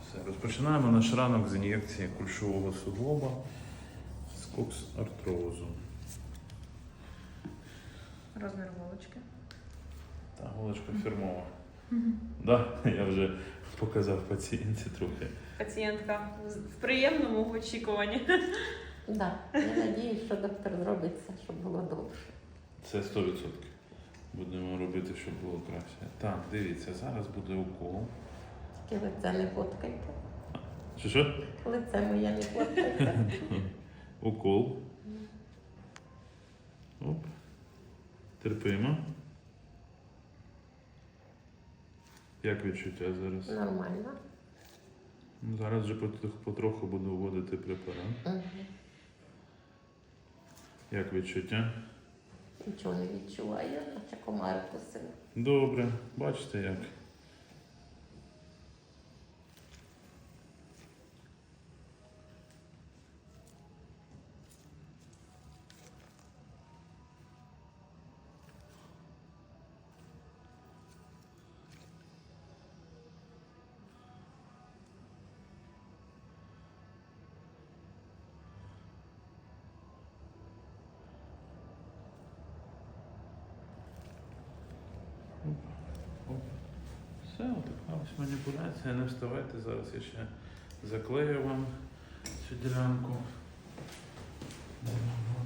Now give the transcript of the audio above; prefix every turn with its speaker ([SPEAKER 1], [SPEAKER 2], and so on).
[SPEAKER 1] Все, розпочинаємо наш ранок з ін'єкції кульшового суглоба з кокс-артрозу.
[SPEAKER 2] Розмір голочки.
[SPEAKER 1] Та голочка фірмова. Да, я вже показав пацієнтці трохи.
[SPEAKER 2] Пацієнтка в приємному очікуванні.
[SPEAKER 3] Да. Я надіюсь, що доктор зробить все, щоб було довше.
[SPEAKER 1] Це 100%. Будемо робити, щоб було краще. Так, дивіться, зараз буде укол.
[SPEAKER 3] Тільки лице не фоткайте.
[SPEAKER 1] Що?
[SPEAKER 3] Лице моє не фоткайте.
[SPEAKER 1] Укол. Оп. Терпимо. Як відчуття зараз?
[SPEAKER 3] Нормально.
[SPEAKER 1] Зараз вже потроху буду вводити препарат.
[SPEAKER 3] Угу.
[SPEAKER 1] Як відчуття?
[SPEAKER 3] Нічого не відчуваю, наче комар кусив.
[SPEAKER 1] Добре. Бачите як? Оп. Все, отака ось маніпуляція. Не вставайте, зараз я ще заклею вам цю ділянку.